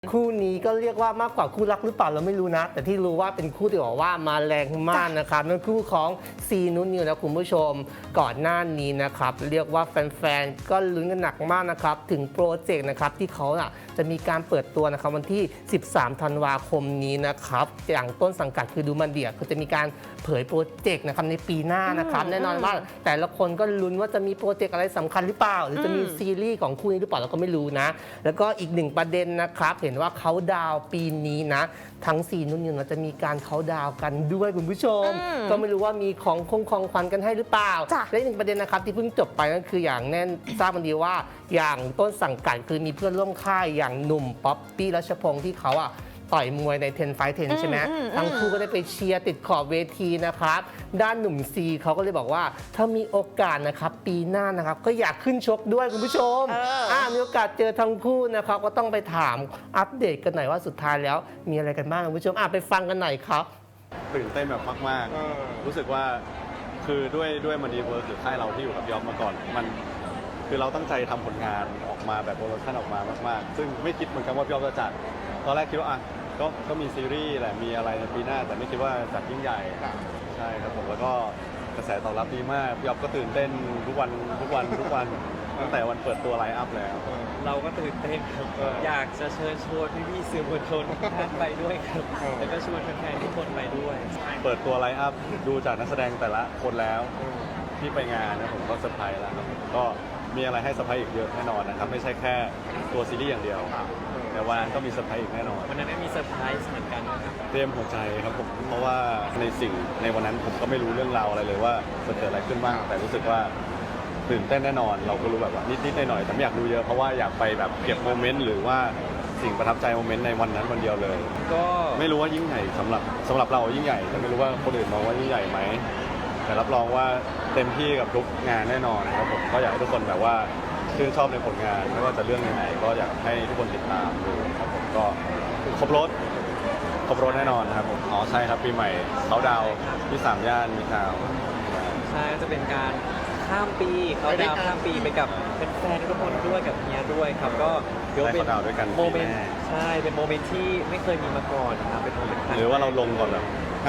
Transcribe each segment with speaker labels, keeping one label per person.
Speaker 1: คู่นี้ก็เรียกว่ามากกว่าคู่รักหรือเปล่าเราไม่รู้นะ แต่ที่รู้ว่าเป็นคู่ที่บอกว่ามาแรงมากนะครับนั่นคู่ของซีนุนิวนะคุณผู้ชมก่อนหน้านี้นะครับเรียกว่าแฟนๆก็ลุ้นกันหนักมากนะครับถึงโปรเจกต์นะครับที่เขาจะมีการเปิดตัวนะครับวันที่ 13 ธันวาคมนี้นะครับอย่างต้นสังกัดคือดูมันเดียคือจะมีการเผยโปรเจกต์นะครับในปีหน้านะครับแน่นอนว่าแต่ละคนก็ลุ้นว่าจะมีโปรเจกต์อะไรสำคัญหรือเปล่าหรือจะมีซีรีส์ของคู่นี้หรือเปล่าเราก็ไม่รู้นะแล้วก็อีกหนึ่งประเด็นนะครับเห็นว่าเขาดาวปีนี้นะทั้ง4นุ่นนิวจะมีการเขาดาวกันด้วยคุณผู้ชมก็ไม่รู้ว่ามีของขวัญกันให้หรือเปล่าและอีกหนึ่งประเด็นนะครับที่เพิ่งจบไปนั่นคืออย่างแน่นทราบกันดีว่าอย่างต้นสังกัดคือมีเพื่อนร่วมค่ายอย่างหนุ่มป๊อปปี้รัชพงศ์ที่เขาต่อยมวยใน10 Fight 10ใช่ไหมทั้งคู่ก็ได้ไปเชียร์ติดขอบเวทีนะครับด้านหนุ่มซีเขาก็เลยบอกว่าถ้ามีโอกาสนะครับปีหน้านะครับก็อยากขึ้นชกด้วยคุณผู้ชมมีโอกาสเจอทั้งคู่นะครับก็ต้องไปถามอัปเดตกันหน่อยว่าสุดท้ายแล้วมีอะไรกันบ้างคุณผู้ชมไปฟังกันหน่อยครับ
Speaker 2: ตื่นเต้นแบบมากๆรู้สึกว่าคือด้วยมันดีเวิร์คหรือค่ายเราที่อยู่กับยอมมาก่อนมันคือเราตั้งใจทำผลงานออกมาแบบโปรดักชั่นออกมามากๆซึ่งไม่คิดเหมือนกันว่าพี่ยอมจะจัดตอนแรกคิดว่าก็มีซีรีส์แหละมีอะไรในปีหน้าแต่ไม่คิดว่าจัดยิ่งใหญ่ใช่ครับผมแล้วก็กระแสตอบรับดีมากพี่ยอมก็ตื่นเต้นทุกวันตั้งแต่วันเปิดตัวไลน์อัพแล้ว
Speaker 3: เราก็ตื่นเต้นครับอยากจะเชิญชวนพี่ๆสื่อมวลชนทุกท่านไปด้วยครับแล้วก็ชวนแฟนๆทุกคนไปด้วย
Speaker 2: เปิดตัวไลน์อัพดูจากนักแสดงแต่ละคนแล้วที่ไปงานนะผมก็เซอร์ไพรส์แล้วครับก็มีอะไรให้เซอร์ไพรส์อีกเยอะแน่นอนนะครับไม่ใช่แค่ตัวซีรีส์อย่างเดียวแต่วันนั้นก็มีเซอร์ไพรส์อีกแน่นอน
Speaker 3: วันนั้นมีเซอร์ไพรส์เหมือนกันนะครับ
Speaker 2: เตรียมหัวใจครับผมเพราะว่าในวันนั้นผมก็ไม่รู้เรื่องราวอะไรเลยว่าจะเกิดอะไรขึ้นบ้างแต่รู้สึกว่าตื่นเต้นแน่นอนเราก็รู้แบบว่านิดๆหน่อยๆแต่ไม่อยากดูเยอะเพราะว่าอยากไปแบบเก็บโมเมนต์หรือว่าสิ่งประทับใจโมเมนต์ในวันนั้นวันเดียวเลย
Speaker 3: ก็
Speaker 2: ไม่รู้ว่ายิ่งใหญ่สำหรับเรายิ่งใหญ่แต่ไม่รู้ว่าคนอื่นมองว่ายิ่งใหญ่ไหมแต่รับรองว่าเต็มที่กับทุกงานแน่นอนครับผมก็อยากให้ทุกคนแบบว่าชื่นชอบในผลงานไม่ว่าจะเรื่องไหนก็อยากให้ทุกคนติดตามดูครับผมก็ครบรถแน่นอนครับผมใช่ครับปีใหม่เขาดาวที่3 ย่านมีข่าว
Speaker 3: ใช่จะเป็นการข้ามปีเขาดาวข้ามปีไปกับแฟนๆทุกคนด้วยกับเฮียด้วยครับก็
Speaker 2: เดี๋ยวเป็น
Speaker 3: โมเมนต์ใช่เป็นโมเมนต์ที่ไม่เคยมีมาก่อนนะครับเป็นโมเมนต์
Speaker 2: หรือว่าเราลงก่อนแบบ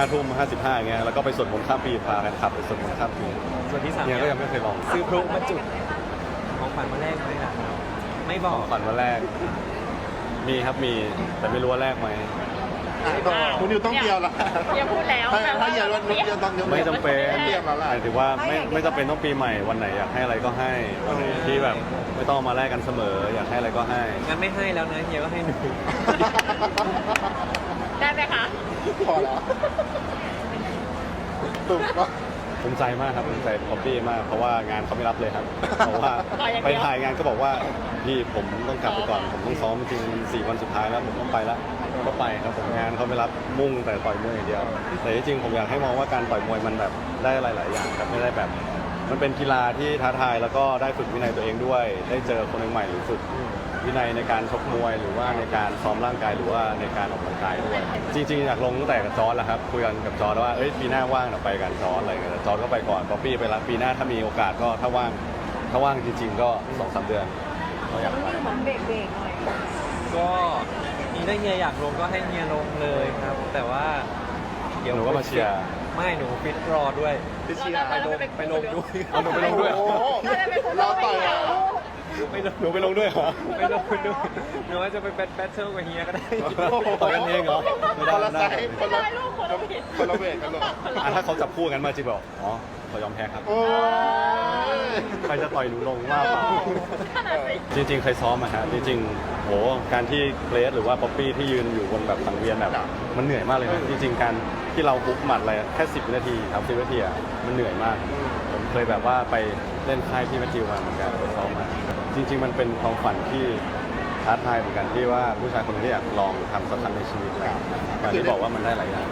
Speaker 2: 5:55อย่างเงี้ยแล้วก็ไปสวดมนต์ข้ามปีพากันขับไปสวดมนต์ข้ามปี
Speaker 3: ส่วนที่3
Speaker 2: เนี่ยก็ยังไม่เคยลอง
Speaker 3: ซื้อพลุมาจุดของขวัญมาแรกไหมครับไม่บอก
Speaker 2: ของขวัญมาแรกมีครับมีแต่ไม่รู้ว่าแรกไหม
Speaker 4: คุณนิวต้องเดียวละ
Speaker 5: อย่าพูดแล้ว
Speaker 4: ถ้าอย่าวันนี้จะต้อง
Speaker 2: ไม่จำเป็น
Speaker 4: เรียบแล้วล่ะ
Speaker 2: ถือว่าไม่จำเป็นต้องปีใหม่วันไหนอยากให้อะไรก็ให้วันไหนที่แบบไม่ต้องมาแลกกันเสมออยากให้อะไรก็ให้
Speaker 3: งั้นไม่ให้แล้วนะเฮียก็ให้หนู
Speaker 5: ได้ไหมคะ
Speaker 4: พอแล้วตุ่มก็
Speaker 2: ภูมิใจมากครับภูมิใจป๊อปปี้มากเพราะว่างานเขาไม่รับเลยครับเพราะว่าไปถ่ายงานก็บอกว่าพี่ผมต้องกลับไปก่อนผมต้องซ้อมจริง4 วันสุดท้ายแล้วผมต้องไปแล้วก็ไปครับผมงานเขาไม่รับมุ่งแต่ต่อยมวยอย่างเดียวแต่จริงๆผมอยากให้มองว่าการต่อยมวยมันแบบได้หลายๆอย่างครับไม่ได้แบบมันเป็นกีฬาที่ท้าทายแล้วก็ได้ฝึกวินัยตัวเองด้วยได้เจอคนใหม่หรือฝึกวินัยในการชกมวยหรือว่าในการซ้อมร่างกายหรือว่าในการออกกำลังกายด้วยจริงๆอยากลงตั้งแต่กับจอร์จแล้วครับคุยกันกับจอร์จว่าปีหน้าว่างเราไปกันจอร์จอะไรเงี้ยจอร์จก็ไปก่อนป๊อปปี้ไปแล้วปีหน้าถ้ามีโอกาสก็ถ้าว่างจริงๆก็ 2-3 เดือนเราอยากไป
Speaker 5: เหมือนเบรกหน่อย
Speaker 3: ก็นี่ถ้าเฮียอยากลงก็ให้เฮียลงเลยครับแต่ว่า
Speaker 2: เดี๋ยวหนูก็มาเชียร์
Speaker 3: ไม่หนูฟิตรอด้วย
Speaker 4: พี่เชียร์
Speaker 3: ไปลงด้วย
Speaker 2: หนูไปลงด้วย
Speaker 4: เราต่อย
Speaker 2: หนูไปลงด้วยเหรอ
Speaker 3: ไปลงด้วยหนูว่าจะไปแบทเทิลกับเฮียก็ได้
Speaker 2: ต่อยกันเองเหรอ
Speaker 4: คนละไซส์คนละเวทกันหรอ
Speaker 2: ถ้าเขาจับคู่กันมาจริงบอกเขายอมแพ้ครับใครจะต่อยหนูลงว่าเปล่าจริงๆเคยซ้อมฮะจริงๆโหการที่เกรซหรือว่าป๊อปปี้ที่ยืนอยู่บนแบบสังเวียนแบบมันเหนื่อยมากเลยนะจริงๆการที่เราปุ๊บหมัดอะไรแค่10 วินาทีครับ10 วินาทีมันเหนื่อยมากผมเคยแบบว่าไปเล่นค่ายที่แมทธิวมาเหมือนกันไปซ้อมมาจริงๆมันเป็นความฝันที่ท้าทายเหมือนกันที่ว่าผู้ชายคนนี้อยากลองทำสักครั้งในชีวิตแล้วการที่บอกว่ามันได้หลายอย่าง